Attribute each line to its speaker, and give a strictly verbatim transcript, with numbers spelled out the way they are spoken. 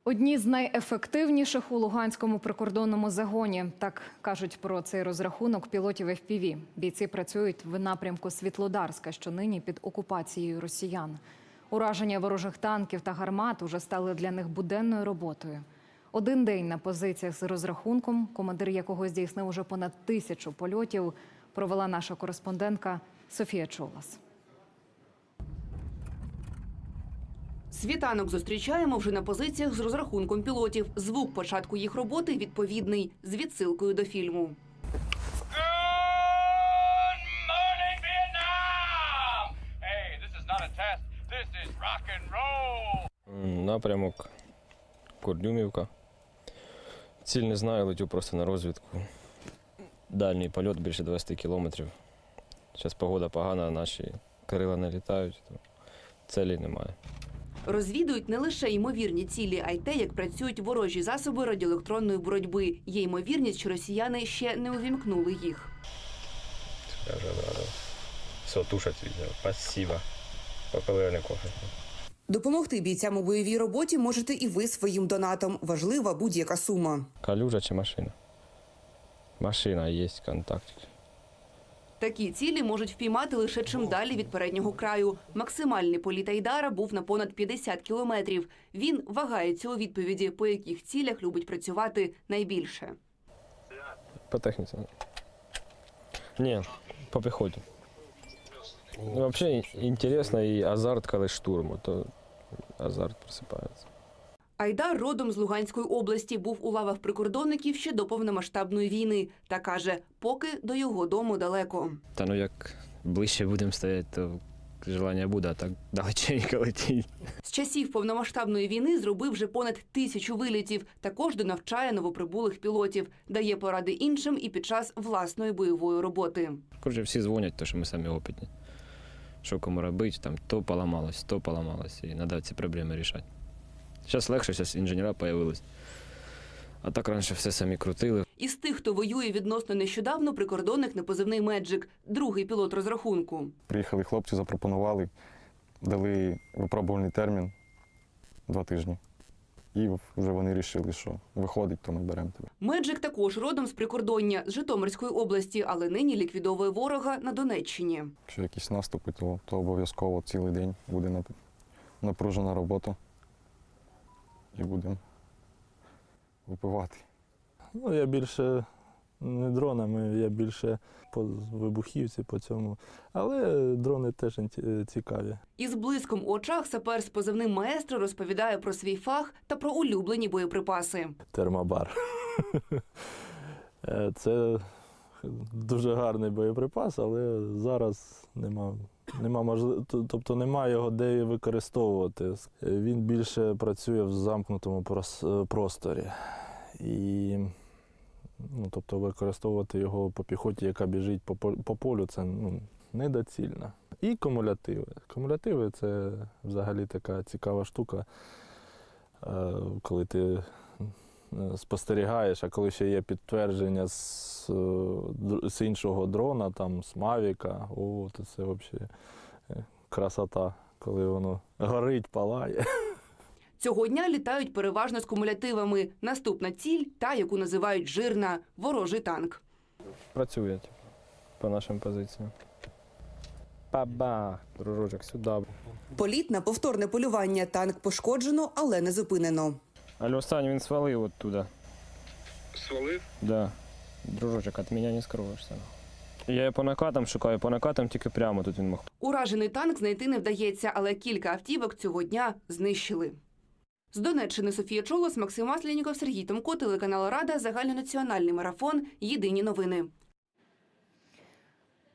Speaker 1: Одні з найефективніших у Луганському прикордонному загоні. Так кажуть про цей розрахунок пілотів еф пі ві. Бійці працюють в напрямку Світлодарська, що нині під окупацією росіян. Ураження ворожих танків та гармат уже стали для них буденною роботою. Один день на позиціях з розрахунком, командир якого здійснив уже понад тисячу польотів, провела наша кореспондентка Софія Чолас.
Speaker 2: Світанок зустрічаємо вже на позиціях з розрахунком пілотів. Звук початку їх роботи відповідний, з відсилкою до фільму.
Speaker 3: Напрямок Курдюмівка. Ціль не знаю, летю просто на розвідку. Дальній польот більше двадцять кілометрів. Зараз погода погана, наші крила не літають, то цілі немає.
Speaker 2: Розвідують не лише ймовірні цілі, а й те, як працюють ворожі засоби радіоелектронної боротьби. Є ймовірність, що росіяни ще не увімкнули їх.
Speaker 3: Скажу, да. Все, тушать відео. Спасибо. Попили не кофе.
Speaker 2: Допомогти бійцям у бойовій роботі можете і ви своїм донатом. Важлива будь-яка сума.
Speaker 3: Калюжа чи машина? Машина, є контактик.
Speaker 2: Такі цілі можуть впіймати лише чим далі від переднього краю. Максимальний політ Айдара був на понад п'ятдесят кілометрів. Він вагається у відповіді, по яких цілях любить працювати найбільше.
Speaker 3: По техніці. Ні, по піхоті. Взагалі, інтересно і азарт, коли штурму, то азарт просипається.
Speaker 2: Айдар родом з Луганської області, був у лавах прикордонників ще до повномасштабної війни. Та каже, поки до його дому далеко.
Speaker 3: Та ну як ближче будемо стояти, то желання буде, а так далеченько летіть.
Speaker 2: З часів повномасштабної війни зробив вже понад тисячу вилітів. Також донавчає новоприбулих пілотів. Дає поради іншим і під час власної бойової роботи.
Speaker 3: Коротше, всі дзвонять, тому що ми самі опитні. Що кому робити, там то поламалось, то поламалось, і треба ці проблеми рішати. Зараз легше, зараз інженера з'явились. А так раніше все самі крутили.
Speaker 2: Із тих, хто воює відносно нещодавно, прикордонник на позивний «Меджик», другий пілот розрахунку.
Speaker 4: Приїхали хлопці, запропонували, дали випробувальний термін два тижні. І вже вони вирішили, що виходить, то ми беремо тебе.
Speaker 2: «Меджик» також родом з прикордоння, з Житомирської області, але нині ліквідовує ворога на Донеччині.
Speaker 4: Якщо якісь наступи, то, то обов'язково цілий день буде напружена робота. І будемо випивати.
Speaker 5: Ну, я більше не дронами, я більше по вибухівці, по цьому. Але дрони теж цікаві.
Speaker 2: Із блиском у очах сапер з позивним «Маестро» розповідає про свій фах та про улюблені боєприпаси.
Speaker 5: Термобар. Це дуже гарний боєприпас, але зараз нема, нема можливо, тобто немає його де використовувати. Він більше працює в замкнутому просторі. І, ну, тобто використовувати його по піхоті, яка біжить по, по полю, це ну, недоцільно. І кумулятиви. Кумулятиви – це взагалі така цікава штука, коли ти спостерігаєш, а коли ще є підтвердження з, з іншого дрона, там, з Мавіка, о, то це взагалі красота, коли воно горить, палає.
Speaker 2: Цього дня літають переважно з кумулятивами. Наступна ціль – та, яку називають «жирна» – ворожий танк.
Speaker 3: Працює типу, по нашим позиціям. Бабах, дружочок, сюди.
Speaker 2: Політ на повторне полювання. Танк пошкоджено, але не зупинено.
Speaker 3: Але останній він свалив оттуда.
Speaker 6: Свалив?
Speaker 3: Да. Дружочок, від мене не скроєшся. Я його по накатам шукаю, по накатам тільки прямо тут він мог.
Speaker 2: Уражений танк знайти не вдається, але кілька автівок цього дня знищили. З Донеччини Софія Чолос, Максим Масленіков, Сергій Томко, телеканал Рада, загальнонаціональний марафон. Єдині новини.